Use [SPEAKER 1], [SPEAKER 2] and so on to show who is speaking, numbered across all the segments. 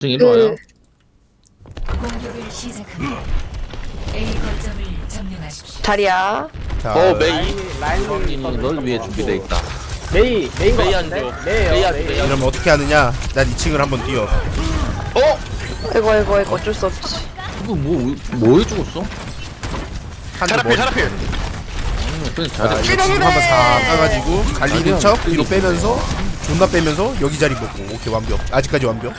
[SPEAKER 1] 일로 와요.
[SPEAKER 2] 공격을 시작합니다. A 거점을 점령하십시오.
[SPEAKER 3] 자리야.
[SPEAKER 4] 자,
[SPEAKER 5] 메이
[SPEAKER 1] 형이 널 위해 준비돼 있다.
[SPEAKER 5] 메인 거
[SPEAKER 4] 메이
[SPEAKER 5] 같은데?
[SPEAKER 4] 안 줘.
[SPEAKER 5] 메이요
[SPEAKER 4] 메이 안
[SPEAKER 5] 메이.
[SPEAKER 4] 줘.
[SPEAKER 6] 이러면 어떻게 하느냐? 난 2층을 한번 뛰어.
[SPEAKER 3] 이거 어쩔 수 없지.
[SPEAKER 1] 이거 뭐에 죽었어?
[SPEAKER 6] 한대 머리.
[SPEAKER 1] 그냥
[SPEAKER 6] 자,
[SPEAKER 1] 자리.
[SPEAKER 6] 이거 지금 한번 다 까가지고 갈리는 척 뒤로 빼면서 존나 빼면서 여기 자리 먹고. 오케이, 완벽. 아직까지 완벽.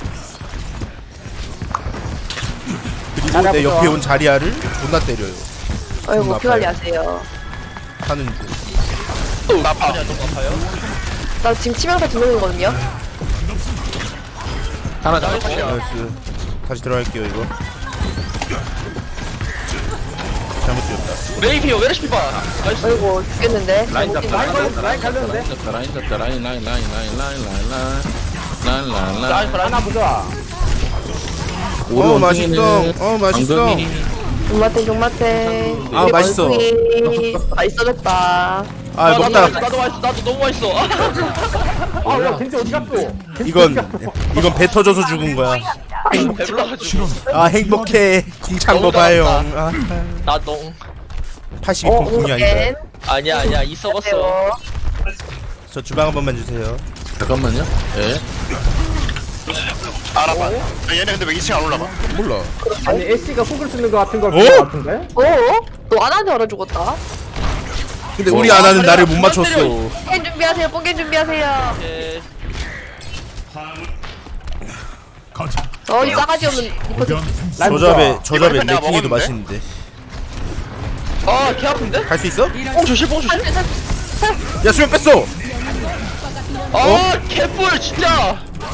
[SPEAKER 6] 그리고 내 옆에 온 자리아를 존나 때려요.
[SPEAKER 3] 아이고
[SPEAKER 6] 아파요.
[SPEAKER 3] 피관리 하세요.
[SPEAKER 6] 하는 중.
[SPEAKER 4] 또 아파. 좀 아파요?
[SPEAKER 3] 나 지금 치명타 두 명이거든요.
[SPEAKER 1] 하나 잡았어.
[SPEAKER 6] 나이스. 다시 들어갈게요 이거. 잘못 뛰었다.
[SPEAKER 4] 메이 피어 왜 이렇게 봐? 나이스.
[SPEAKER 3] 아이고 죽겠는데.
[SPEAKER 1] 라인 잡다.
[SPEAKER 5] 라인 걸렸어, 라인 갈렸는데?
[SPEAKER 1] 라인 잡다. 라인 잡다. 라인.
[SPEAKER 5] 하나 보자.
[SPEAKER 6] 맛있어. 맛있어.
[SPEAKER 3] 종마탱 종마탱.
[SPEAKER 6] 아, 맛있어.
[SPEAKER 3] 맛있어졌다.
[SPEAKER 6] 아, 먹다.
[SPEAKER 4] 나도 맛있어. 나도 너무 맛있어.
[SPEAKER 5] 아야 겐지 어디 갔어?
[SPEAKER 6] 이건 배 터져서 죽은 거야.
[SPEAKER 4] 배불러가지고.
[SPEAKER 6] 아, 행복해. 궁찬 거 봐요. 아,
[SPEAKER 4] 나도.
[SPEAKER 6] 82%궁이 아니다.
[SPEAKER 4] 아니야 이 썩었어.
[SPEAKER 3] 세워.
[SPEAKER 6] 저 주방 한 번만 주세요.
[SPEAKER 1] 잠깐만요. 예.
[SPEAKER 7] 알아봐. 얘네 근데 왜 2층 안 올라가?
[SPEAKER 6] 몰라.
[SPEAKER 5] 아니 애쉬가 속을 쓰는 거 같은 걸
[SPEAKER 6] 어?
[SPEAKER 5] 본 거 같은데?
[SPEAKER 3] 너 안한테 얼어 죽었다.
[SPEAKER 6] 근데 우리 아나는 나를 못 맞췄어.
[SPEAKER 3] 뽕겐 준비하세요. 뽕겐 준비하세요.
[SPEAKER 4] 예.
[SPEAKER 3] 이 싸가지 없는 이거
[SPEAKER 6] 저잡에
[SPEAKER 7] 이거 내가
[SPEAKER 6] 레킹이도
[SPEAKER 7] 먹었는데?
[SPEAKER 6] 맛있는데.
[SPEAKER 4] 개 아픈데?
[SPEAKER 6] 갈 수 있어?
[SPEAKER 4] 뽕 조심.
[SPEAKER 6] 야, 수면 뺐어.
[SPEAKER 4] 개뿔 진짜.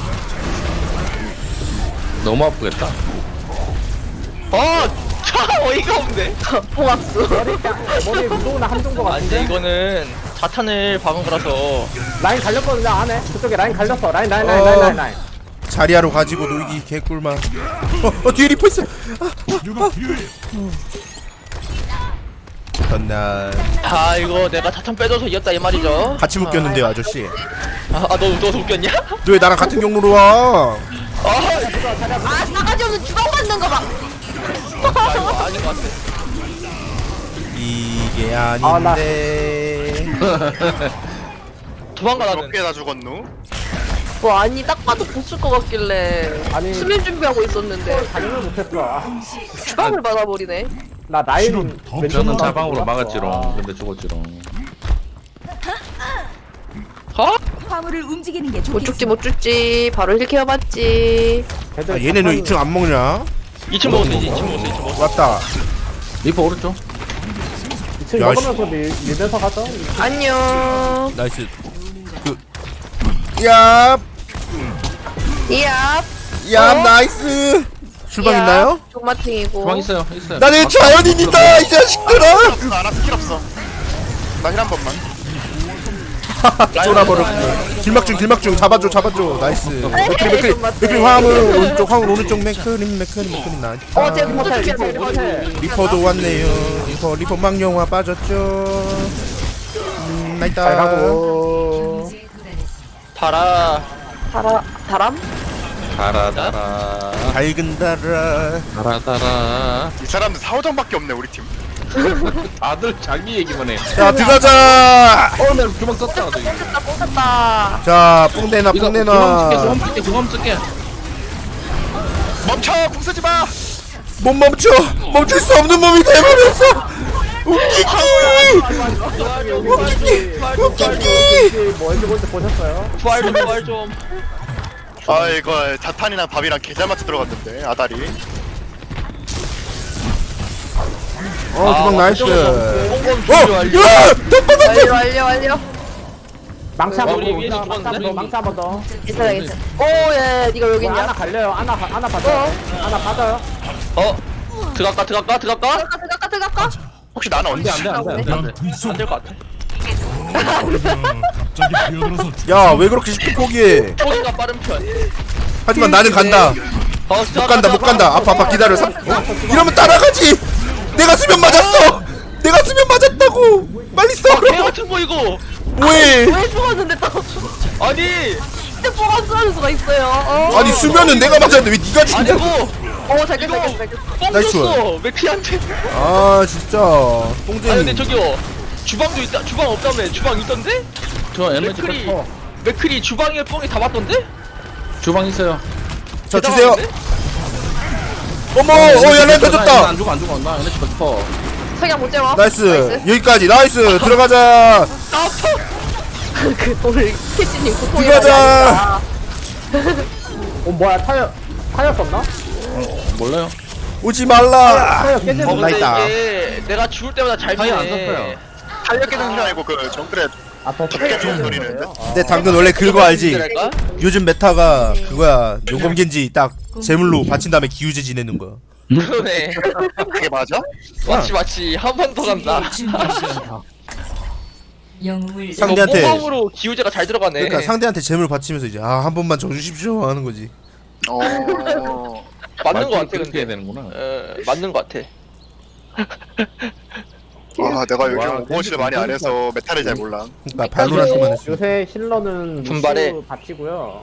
[SPEAKER 1] 너무 아프겠다.
[SPEAKER 4] 차 어이가 없네.
[SPEAKER 3] 봉합수.
[SPEAKER 5] 머리에 무도나 함정 거
[SPEAKER 4] 안돼
[SPEAKER 5] 같은데?
[SPEAKER 4] 이거는 자탄을 박은 거라서.
[SPEAKER 5] 라인 갈렸거든요 안에. 그쪽에 라인 갈렸어. 라인.
[SPEAKER 6] 자리하러 가지고 놀기 개꿀만. 뒤에 리퍼 있어. 전날
[SPEAKER 4] 이거 내가 자탄 빼줘서 이겼다 이 말이죠.
[SPEAKER 6] 같이 묶였는데요, 아저씨.
[SPEAKER 4] 너 웃겼냐?
[SPEAKER 6] 너 왜 나랑 같은 경로로 와?
[SPEAKER 3] 아 싸가지 없는 주방 받는 거 봐.
[SPEAKER 4] 이거 아닌 것 같아.
[SPEAKER 6] 이게 아닌데.
[SPEAKER 4] 도망가 나는.
[SPEAKER 7] 몇 개나 죽었누?
[SPEAKER 3] 뭐 아니 딱 봐도 보쓸 것 같길래
[SPEAKER 5] 아니.
[SPEAKER 3] 수면 준비하고 있었는데
[SPEAKER 5] 당연히 못했어.
[SPEAKER 3] 주방을 받아버리네.
[SPEAKER 5] 나 라인
[SPEAKER 1] 저는 자방으로 막았지롱. 근데 죽었지롱.
[SPEAKER 2] 화물을 움직이는 게
[SPEAKER 3] 못
[SPEAKER 2] 좋겠습니다.
[SPEAKER 3] 죽지 못 죽지 바로 힐 케어받지.
[SPEAKER 6] 아, 얘네는 왜 2층 안 먹냐?
[SPEAKER 4] 2층 먹었어 이제 2층 먹었어.
[SPEAKER 6] 왔다.
[SPEAKER 1] 리퍼 오른쪽.
[SPEAKER 5] 2층
[SPEAKER 6] 야,
[SPEAKER 5] 먹으면서 밀면서 가자.
[SPEAKER 3] 안녕.
[SPEAKER 6] 나이스. 얍!
[SPEAKER 3] 이압.
[SPEAKER 6] 얍, 나이스! 출방 있나요?
[SPEAKER 3] 종마탱이고.
[SPEAKER 1] 주방 있어요.
[SPEAKER 6] 나는 자연인이다, 이 자식들아!
[SPEAKER 7] 나 스킬 없어. 나 힐 한 번만.
[SPEAKER 6] 쫄아버렸고. 길막중, 잡아줘. 나이스. 맥크리 화물, 오른쪽, 맥크림, 나이스.
[SPEAKER 3] 제가 못 죽겠어.
[SPEAKER 6] 리퍼도 왔네요. 리퍼 망령화 빠졌죠. 나이스.
[SPEAKER 5] 잘 가고.
[SPEAKER 4] 달아.
[SPEAKER 3] 다람?
[SPEAKER 1] 달아.
[SPEAKER 6] 밝은 달아.
[SPEAKER 1] 달아.
[SPEAKER 7] 이 사람들 4호정밖에 없네 우리 팀.
[SPEAKER 1] 다들 자기 얘기만 해.
[SPEAKER 6] 자, 들어가자!
[SPEAKER 1] 나 주방 썼다. 저기.
[SPEAKER 3] 뽕쳤다.
[SPEAKER 6] 자, 뽕내놔.
[SPEAKER 1] 주방 쓸게.
[SPEAKER 7] 멈춰! 궁 쓰지 마!
[SPEAKER 6] 못 멈출 수 없는 몸이 돼버렸어. 웃기기.
[SPEAKER 5] 뭐 엔드 보셨어요?
[SPEAKER 4] 부활 좀.
[SPEAKER 7] 아 이거 자탄이랑 밥이랑 계좌 맞춰 들어갔는데 아다리.
[SPEAKER 6] 주방 나이스.
[SPEAKER 3] 완료.
[SPEAKER 5] 망치 한번
[SPEAKER 4] 우리
[SPEAKER 5] 더.
[SPEAKER 4] 위에서 죽었는데?
[SPEAKER 5] 망치 한번 더.
[SPEAKER 3] 괜찮아. 오예 니가 여기
[SPEAKER 5] 하나
[SPEAKER 3] 있냐?
[SPEAKER 5] 갈려요. 하나 받아요. 하나 받아요.
[SPEAKER 4] 들어갈까?
[SPEAKER 3] 들어갈까?
[SPEAKER 7] 혹시 나는 언제
[SPEAKER 1] 안돼.
[SPEAKER 4] 안될 것 같아.
[SPEAKER 6] 야, 왜 그렇게 쉽게 포기해?
[SPEAKER 4] 초기가 빠른 편.
[SPEAKER 6] 하지만 나는 간다. 못 간다. 아파 기다려. 이러면 따라가지. 내가 수면 맞았다고. 빨리 써.
[SPEAKER 4] 개 같은 거 이거.
[SPEAKER 6] 왜?
[SPEAKER 3] 왜 죽었는데 또?
[SPEAKER 4] 아니
[SPEAKER 3] 나한테 뽀가 쏘는 수가 있어요.
[SPEAKER 6] 아니 수면은 내가 맞았는데 왜 니가 죽냐?
[SPEAKER 4] 아니고
[SPEAKER 3] 잘 깼어, 잘 깼어.
[SPEAKER 4] 뻥
[SPEAKER 6] 나이스.
[SPEAKER 4] 줬어 맥피한테.
[SPEAKER 6] 아 진짜
[SPEAKER 4] 아니 근데
[SPEAKER 6] 똥쟁이.
[SPEAKER 4] 저기요 주방도 있다. 주방 없다며. 주방 있던데?
[SPEAKER 1] 저 에너지
[SPEAKER 4] 맥크리
[SPEAKER 1] 뺐어.
[SPEAKER 4] 맥크리 주방에 뻥이 다 맞던데?
[SPEAKER 1] 주방 있어요.
[SPEAKER 6] 자 주세요. 어머 야 렌터 줬다.
[SPEAKER 1] 안 죽어 안 죽어. 나 에너지 뺐어.
[SPEAKER 3] 석양 못 재워.
[SPEAKER 6] 나이스 여기까지 나이스 들어가자.
[SPEAKER 3] 그 오늘 캐치님 고통이
[SPEAKER 6] 들어가자.
[SPEAKER 5] 뭐야 타이어 썼나?
[SPEAKER 1] 몰라요.
[SPEAKER 6] 오지 말라.
[SPEAKER 5] 타이어 깨지는
[SPEAKER 4] 근데
[SPEAKER 6] 나있다.
[SPEAKER 4] 이게 내가 죽을 때마다 잘
[SPEAKER 1] 타이어 안
[SPEAKER 4] 피네.
[SPEAKER 1] 썼어요.
[SPEAKER 7] 탄력 깨는 소리 아니고 그 정글에
[SPEAKER 5] 아더
[SPEAKER 7] 깨주는 소리는.
[SPEAKER 6] 내 당근 원래 그거 알지?
[SPEAKER 4] 그럴까?
[SPEAKER 6] 요즘 메타가 그거야. 용검겐지 딱 제물로 바친 다음에 기우제 지내는 거야.
[SPEAKER 4] 그러네.
[SPEAKER 7] 그게 맞아?
[SPEAKER 4] 맞지 한 번 더 간다.
[SPEAKER 2] 준비하십시오. 영웅을
[SPEAKER 6] 상대한테
[SPEAKER 4] 모범으로 기우제가 잘 들어가네.
[SPEAKER 6] 그러니까 상대한테 재물 바치면서 이제 한 번만 져주십시오 하는 거지.
[SPEAKER 7] 어.
[SPEAKER 4] 맞는 거 같아
[SPEAKER 1] 그렇게
[SPEAKER 4] 근데.
[SPEAKER 1] 해야 되는구나.
[SPEAKER 4] 맞는 거 같아.
[SPEAKER 7] 아 내가 요즘
[SPEAKER 1] 와,
[SPEAKER 7] 오버워치를 많이 안 해서 메타를 잘 몰라.
[SPEAKER 6] 그러니까 발로란트만 했어.
[SPEAKER 5] 요새 힐러는
[SPEAKER 4] 분발해.
[SPEAKER 5] 루시우 바치고요.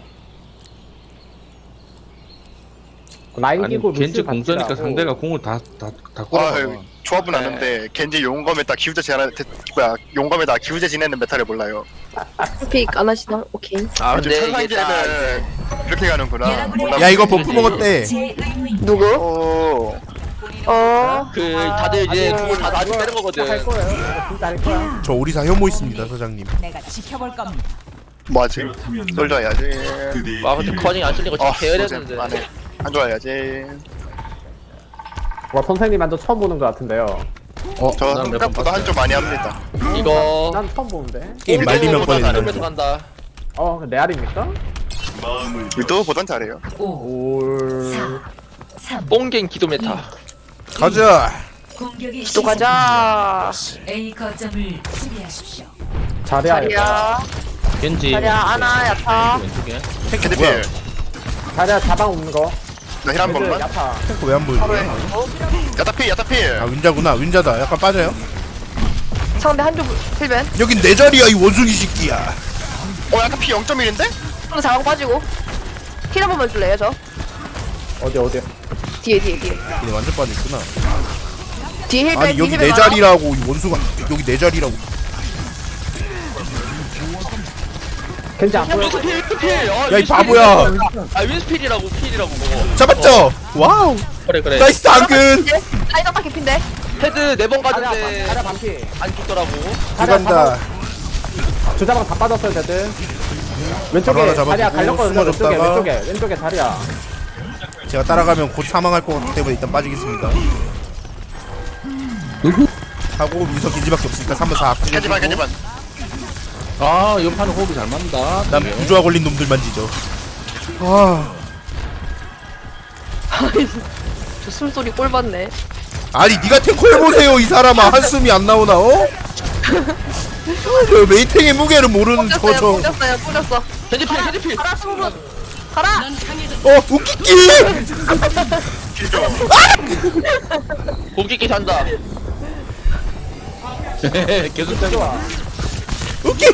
[SPEAKER 5] 라인
[SPEAKER 1] 아니
[SPEAKER 5] 끼고
[SPEAKER 1] 겐지
[SPEAKER 5] 루시우
[SPEAKER 1] 공 쓰니까
[SPEAKER 5] 바치라고.
[SPEAKER 1] 상대가 공을 다
[SPEAKER 7] 아
[SPEAKER 1] 꼬라봐.
[SPEAKER 7] 조합은
[SPEAKER 4] 네.
[SPEAKER 7] 아는데 겐지 용검에다 기우제 지내는 뭐야 용검에다 기우제 지내는 메타를 몰라요.
[SPEAKER 3] 픽 안 하시나? 오케이.
[SPEAKER 4] 아
[SPEAKER 7] 요즘
[SPEAKER 4] 근데 이게 딱
[SPEAKER 7] 천상계는 이렇게 가는구나. 몰라.
[SPEAKER 6] 야 이거 버프 먹었대.
[SPEAKER 2] 제 의무입니다.
[SPEAKER 3] 누구?
[SPEAKER 7] 오.
[SPEAKER 4] 그 다들 이제 공을 다 놔주고 빼는
[SPEAKER 5] 할
[SPEAKER 4] 거거든.
[SPEAKER 5] 거예요. 이거 진짜 할 거야.
[SPEAKER 6] 저 오리사 혐오 있습니다 사장님.
[SPEAKER 2] 내가 지켜볼 겁니다.
[SPEAKER 7] 뭐하지? 솔져 해야지.
[SPEAKER 4] 아 근데 커닝 안 쓸리고
[SPEAKER 7] 아,
[SPEAKER 4] 진짜 게으르는데.
[SPEAKER 7] 안해. 안 좋아해야지.
[SPEAKER 5] 와 선생님 완전 처음 보는 것 같은데요.
[SPEAKER 7] 저
[SPEAKER 1] 난몇번
[SPEAKER 7] 생각보다
[SPEAKER 1] 봤어요.
[SPEAKER 7] 한쪽 많이 합니다.
[SPEAKER 4] 이거
[SPEAKER 5] 난 처음 보는데.
[SPEAKER 6] 게임 말리면
[SPEAKER 7] 보다
[SPEAKER 6] 꺼내는
[SPEAKER 4] 이러면서
[SPEAKER 6] 거.
[SPEAKER 4] 간다.
[SPEAKER 5] 레알입니까?
[SPEAKER 7] 위도보단 잘해요.
[SPEAKER 2] 5,
[SPEAKER 5] 올.
[SPEAKER 2] 3,
[SPEAKER 4] 뽕갱 기도 메타.
[SPEAKER 6] 가자.
[SPEAKER 2] 공격이
[SPEAKER 3] 또 가자.
[SPEAKER 2] A 거점을 수비하십시오.
[SPEAKER 5] 자리야.
[SPEAKER 3] 자리야.
[SPEAKER 1] 겐지.
[SPEAKER 3] 자리야 아나 야타.
[SPEAKER 1] 왼쪽에.
[SPEAKER 7] 캐디필.
[SPEAKER 5] 자리야 자방 없는 거.
[SPEAKER 7] 나 힐 한 번만.
[SPEAKER 5] 야타.
[SPEAKER 6] 탱크 왜안 보이지?
[SPEAKER 7] 야타필 야타필.
[SPEAKER 6] 아 윈자구나. 윈자다. 약간 빠져요.
[SPEAKER 3] 상대 한쪽 필벤.
[SPEAKER 6] 여긴 내 자리야 이 원숭이 새끼야.
[SPEAKER 7] 야타필 0.1인데?
[SPEAKER 3] 상대 자방 빠지고. 힐 한 번만 줄래요 저?
[SPEAKER 5] 어디?
[SPEAKER 3] 뒤에.
[SPEAKER 6] 얘네 완전 빠져있구나.
[SPEAKER 3] 뒤에 힐벤.
[SPEAKER 6] 아니 여기 내 자리라고 이 원숭아. 여기 내 자리라고.
[SPEAKER 5] 겐지 안 보여.
[SPEAKER 4] 윈스필.
[SPEAKER 6] 야 이 바보야.
[SPEAKER 4] 아 윈스필이라고 필이라고 그거.
[SPEAKER 6] 잡았죠? 와우.
[SPEAKER 4] 그래.
[SPEAKER 6] 나이스 당근.
[SPEAKER 3] 사이드바 개핀데.
[SPEAKER 4] 헤드 4번 가는데
[SPEAKER 5] 자리야 반피.
[SPEAKER 4] 안 죽더라고.
[SPEAKER 6] 들어간다.
[SPEAKER 5] 두 자방 다 빠졌어요 대들.
[SPEAKER 6] 바로
[SPEAKER 5] 왼쪽에
[SPEAKER 6] 하나 잡아주고
[SPEAKER 5] 자리야 갈렸거든요.
[SPEAKER 6] 숨어줬다가.
[SPEAKER 5] 왼쪽에 자리야.
[SPEAKER 6] 제가 따라가면 곧 사망할 것 같기 때문에 일단 빠지겠습니다. 하고 미서 겐지밖에 없으니까 3번 4
[SPEAKER 7] 겐지반 겐지반.
[SPEAKER 1] 아 이번 판은 호흡이 잘 맞는다.
[SPEAKER 6] 난 부조화 걸린 놈들만 지죠. 아
[SPEAKER 3] 저 숨소리 꼴 받네.
[SPEAKER 6] 아니 니가 탱커 해보세요 이 사람아. 한숨이 안 나오나 어? 저 메이탱의 무게를 모르는 저저
[SPEAKER 3] 뿌렸어.
[SPEAKER 4] 헤드필.
[SPEAKER 3] 가라 승분. 가라.
[SPEAKER 6] 웃기기.
[SPEAKER 4] 공기기 산다.
[SPEAKER 1] 계속 때려.
[SPEAKER 6] 웃기.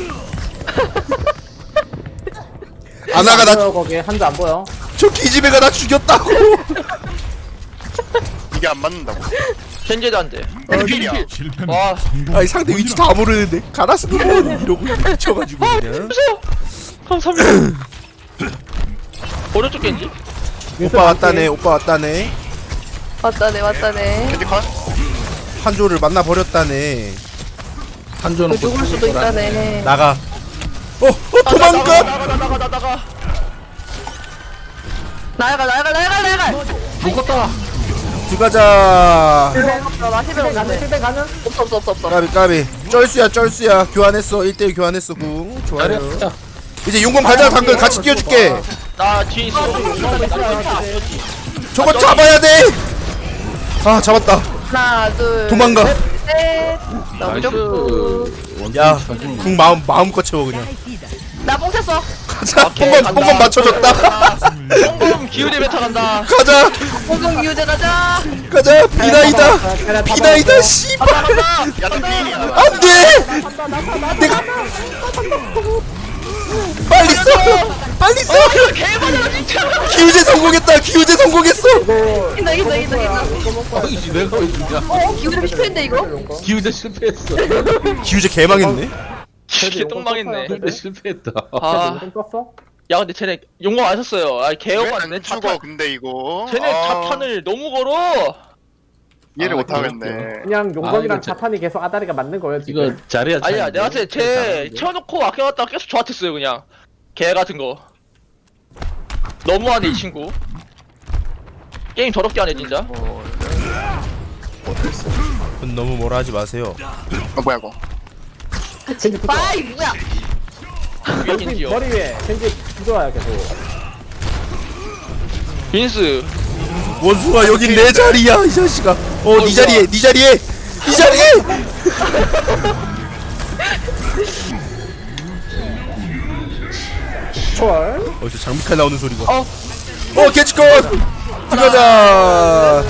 [SPEAKER 6] 아나가 나
[SPEAKER 5] 보여 거기 한줄 안 보여.
[SPEAKER 6] 저 기집애가 나 죽였다고.
[SPEAKER 7] 이게 안 맞는다고.
[SPEAKER 4] 겐제도 안 돼.
[SPEAKER 7] 헤드필이야.
[SPEAKER 4] 와
[SPEAKER 6] 아니 상대 위치 다 모르는데 가라스도 이러고 미쳐가지고 그냥.
[SPEAKER 4] 감사합니다. 오른쪽 겐지?
[SPEAKER 6] 오빠 왔다네. 오빠 왔다네.
[SPEAKER 3] 왔다네.
[SPEAKER 7] 겐지 컷.
[SPEAKER 6] 한조를 만나 버렸다네.
[SPEAKER 1] 한조는
[SPEAKER 3] 그 죽을 수도 있다네.
[SPEAKER 6] 나가. 도망가.
[SPEAKER 3] 나야가.
[SPEAKER 1] 묶었다.
[SPEAKER 6] 들어가자.
[SPEAKER 3] 나 힐벤 없는데.
[SPEAKER 5] 힐벤 가는?
[SPEAKER 3] 없어.
[SPEAKER 6] 까비. 쩔수야. 교환했어. 1대1 교환했어. 궁. 좋아요.
[SPEAKER 1] 잘했다.
[SPEAKER 6] 이제 용검 가자. 당근 같이 끼워줄게.
[SPEAKER 4] 나 뒤에 있어.
[SPEAKER 6] 저거 잡아야 돼. 아 잡았다.
[SPEAKER 3] 하나, 둘.
[SPEAKER 6] 도망가.
[SPEAKER 3] 셋. 너무 좋고.
[SPEAKER 6] 야, 궁 마음껏 채워 그냥.
[SPEAKER 3] 나뽕 쳤어.
[SPEAKER 6] 가자.
[SPEAKER 4] 오케이,
[SPEAKER 6] 뽕건
[SPEAKER 4] 간다.
[SPEAKER 6] 맞춰줬다.
[SPEAKER 4] 뽕검 기울이 메타 간다.
[SPEAKER 6] 가자.
[SPEAKER 3] 공격 유제 가자.
[SPEAKER 6] 비나이다. 씨발.
[SPEAKER 7] 야타필이야.
[SPEAKER 6] 안돼. 내가 빨리 써! 빨리 써! 기우제 성공했다! 기우제 성공했어!
[SPEAKER 3] 이긴다 이긴다 이긴다 이긴다.
[SPEAKER 1] 아이씨 내가 왜 죽냐?
[SPEAKER 3] 기울이면 실패인데 이거?
[SPEAKER 1] 기우제 실패했어.
[SPEAKER 6] 기우제 개망했네?
[SPEAKER 4] 이게 똥망했네.
[SPEAKER 1] 기우제 실패했다.
[SPEAKER 4] 아,
[SPEAKER 5] 좀 썼어?
[SPEAKER 4] 야 근데 쟤네 용광 안 썼어요. 아 개용
[SPEAKER 7] 왜안
[SPEAKER 4] 맞네.
[SPEAKER 7] 죽어
[SPEAKER 4] 자탄.
[SPEAKER 7] 근데 이거
[SPEAKER 4] 쟤네 자탄을 너무 걸어.
[SPEAKER 7] 이해를
[SPEAKER 1] 아,
[SPEAKER 7] 못하겠네.
[SPEAKER 5] 그냥 용검이랑
[SPEAKER 1] 이거
[SPEAKER 5] 자탄이 계속 아다리가 맞는 거예요 지금.
[SPEAKER 1] 이거 자리야.
[SPEAKER 4] 아니야 내가 봤을 때쟤 채워놓고 아껴놨다가 계속 저한테 써요 그냥. 개 같은 거. 너무하네 이 친구. 게임 더럽게 하네 진짜.
[SPEAKER 6] 너무 뭐라 하지 마세요.
[SPEAKER 7] 뭐야 이거?
[SPEAKER 5] 겐지 붙어.
[SPEAKER 3] 아이 뭐야?
[SPEAKER 4] 위에 겐지요.
[SPEAKER 5] 머리 위에 겐지 붙어와요 계속.
[SPEAKER 4] 빈스.
[SPEAKER 6] 원숭아 여긴 내 자리야 이 자식아. 니 자리에 니 자리에 니 자리에.
[SPEAKER 5] 초월.
[SPEAKER 6] 어디서 장미칼 나오는 소리가. 캐치컷. 들어가자.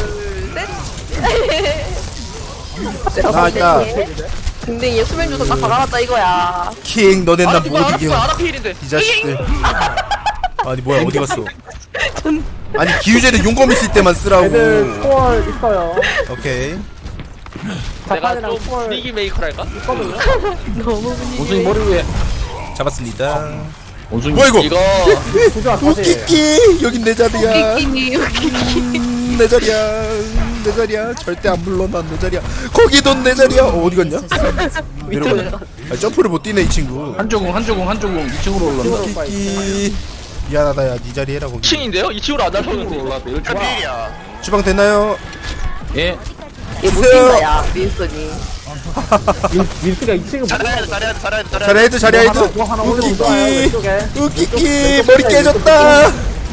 [SPEAKER 6] 나왔다.
[SPEAKER 3] 근데 얘 수면 주소 딱 박아놨다 이거야.
[SPEAKER 6] 킹 너넨 나 못 이겨.
[SPEAKER 4] 아라필인데.
[SPEAKER 6] 이 자식들. 아니 뭐야 어디 갔어? 아니 기우제는 용검 있을 때만
[SPEAKER 5] 애들
[SPEAKER 6] 쓰라고.
[SPEAKER 5] 초월 있어요.
[SPEAKER 6] 오케이.
[SPEAKER 4] 내가
[SPEAKER 5] 자탄이랑
[SPEAKER 4] 좀
[SPEAKER 5] 초월
[SPEAKER 4] 분위기 메이커랄까?
[SPEAKER 5] 있거든요.
[SPEAKER 3] 너무 분위기.
[SPEAKER 1] 원숭이 머리 위에.
[SPEAKER 6] 잡았습니다.
[SPEAKER 1] 원숭이.
[SPEAKER 6] 뭐야 이거?
[SPEAKER 4] 이거
[SPEAKER 5] 부조화 다시.
[SPEAKER 6] 웃기기 여긴 내 자리야.
[SPEAKER 3] 웃기기 웃기기.
[SPEAKER 6] 내 자리야. 내 자리야. 절대 안 물러나 내 자리야. 거기도 내 자리야. 어디 갔냐? 내려가네. 점프를 못 뛰네 이 친구.
[SPEAKER 1] 한조공 2층으로 올라온다.
[SPEAKER 6] 웃기기. 미안하다 야네 자리 해라 거기.
[SPEAKER 4] 2층인데요? 2층으로 안 날아오는데 이거.
[SPEAKER 1] 올라왔다. 이럴 줄 알아.
[SPEAKER 7] 편일이야.
[SPEAKER 6] 주방 됐나요?
[SPEAKER 1] 예.
[SPEAKER 3] 얘
[SPEAKER 6] 주세요.
[SPEAKER 3] 못뛴다 야 윈스턴이.
[SPEAKER 5] 민스가 2층을
[SPEAKER 7] 잘해야 돼, 잘해야 돼, 잘해야 돼, 잘해야 돼.
[SPEAKER 6] 자리 헤드 자리 헤드.
[SPEAKER 5] 뭐 하나 올리고 좋아요
[SPEAKER 6] 웃기기.
[SPEAKER 5] 왼쪽에.
[SPEAKER 6] 웃기기. 머리 깨졌다.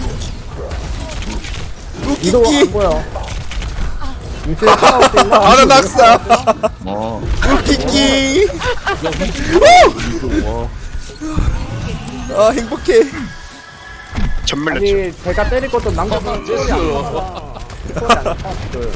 [SPEAKER 5] 이도 안
[SPEAKER 6] 웃기기.
[SPEAKER 5] 보여. 민스에 하나 올수 있나?
[SPEAKER 6] 아나 낙사.
[SPEAKER 1] 어.
[SPEAKER 6] 웃기기. 아 행복해.
[SPEAKER 7] 전멸 냈죠.
[SPEAKER 5] 아니 제가 때릴 것도 남자분 초월이 안 나와. 초월이 안 나와.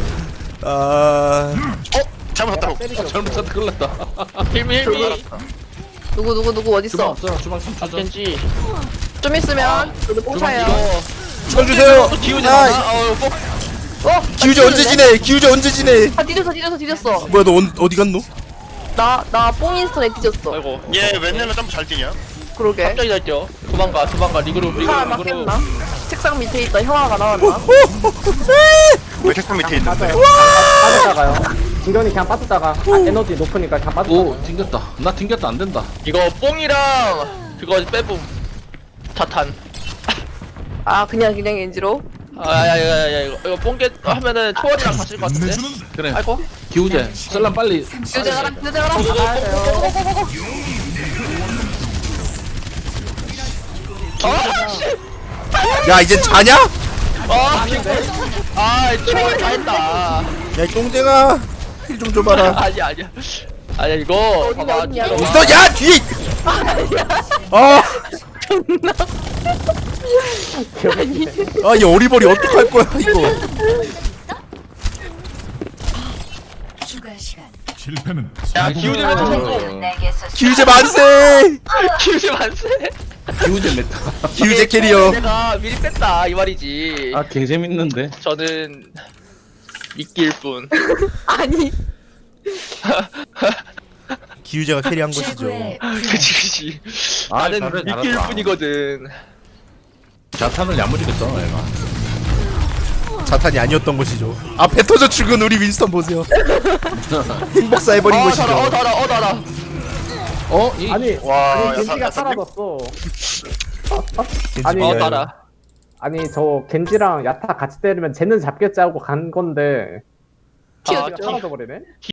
[SPEAKER 6] 아
[SPEAKER 7] 잘못했다고.
[SPEAKER 1] 잘못 찾다 큰일 났다.
[SPEAKER 4] 힐미
[SPEAKER 3] 누구 어디
[SPEAKER 1] 주방
[SPEAKER 3] 있어?
[SPEAKER 1] 없어. 주방 3초전.
[SPEAKER 4] 겐지.
[SPEAKER 3] 좀 있으면 저도 뽕차요.
[SPEAKER 4] 이거
[SPEAKER 6] 주방 주세요.
[SPEAKER 4] 또 기우제
[SPEAKER 6] 아
[SPEAKER 4] 많아. 꼭
[SPEAKER 6] 기우제 언제 지내? 기우제 언제 지내?
[SPEAKER 3] 아 뒤졌어.
[SPEAKER 6] 뭐야 너 어디 갔노?
[SPEAKER 3] 나 뽕인스턴에 뒤졌어.
[SPEAKER 4] 아이고.
[SPEAKER 7] 얘 웬일로 점프 잘 뛰냐?
[SPEAKER 3] 그러게.
[SPEAKER 4] 갑자기 날뛰어. 도망가 리그룹.
[SPEAKER 3] 형아 맞겠나? 책상 밑에 있다 형아가 나왔나?
[SPEAKER 7] 왜 책상 밑에 있는데?
[SPEAKER 5] 빠졌다가요. 진경이 그냥 빠졌다가 에너지 높으니까 그냥 빠졌다.
[SPEAKER 1] 오 튕겼다. 나 튕겼다 안 된다.
[SPEAKER 4] 이거 뽕이랑 그거 빼봄. 자탄.
[SPEAKER 3] 아 그냥 엔지로?
[SPEAKER 4] 아야야야 이거 뽕게 하면은 초월이랑 같을 것 같은데.
[SPEAKER 1] 그래.
[SPEAKER 4] 아이고.
[SPEAKER 1] 기우제. 썰람 빨리.
[SPEAKER 3] 교대 가라.
[SPEAKER 6] 야 이제 자냐?
[SPEAKER 4] 초월 다 했다.
[SPEAKER 6] 야이 똥쟁아 힐 좀 줘봐라.
[SPEAKER 4] 아니야 이거 봐봐.
[SPEAKER 3] 어디냐.
[SPEAKER 4] 이거
[SPEAKER 6] 너 야 뒤에. 아이 어리버리 어떡할 거야 이거.
[SPEAKER 2] 추가 시간.
[SPEAKER 4] 야 기우제면 성공.
[SPEAKER 6] 기우제 만세.
[SPEAKER 4] 기우제 만세.
[SPEAKER 1] 기우제 메타.
[SPEAKER 6] 기우제 캐리어.
[SPEAKER 4] 내가 미리 뺐다 이 말이지.
[SPEAKER 1] 아 개재밌는데.
[SPEAKER 4] 저는 미끼일 뿐.
[SPEAKER 3] 아니
[SPEAKER 6] 기우제가 캐리한 것이죠.
[SPEAKER 2] 최고의
[SPEAKER 4] 그치.
[SPEAKER 1] 아,
[SPEAKER 4] 나는
[SPEAKER 1] 잘해,
[SPEAKER 4] 미끼일
[SPEAKER 1] 잘한다.
[SPEAKER 4] 뿐이거든.
[SPEAKER 1] 자탄을 야무지게 써 얘가.
[SPEAKER 6] 자탄이 아니었던 것이죠. 아 배 터져 죽은 우리 윈스턴 보세요. 행복사 해버린 것이죠.
[SPEAKER 4] 달아.
[SPEAKER 1] 어? 이
[SPEAKER 5] 아니
[SPEAKER 7] 와,
[SPEAKER 5] 아니
[SPEAKER 7] 야,
[SPEAKER 5] 겐지가
[SPEAKER 7] 야,
[SPEAKER 5] 사라졌어.
[SPEAKER 6] 겐지
[SPEAKER 5] 아니,
[SPEAKER 6] 미아요.
[SPEAKER 4] 달아.
[SPEAKER 5] 아니 저 겐지랑 야타 같이 때리면 쟤는 잡겠지 하고 간 건데
[SPEAKER 3] 튀어
[SPEAKER 5] 겐지가 사라져 버리네.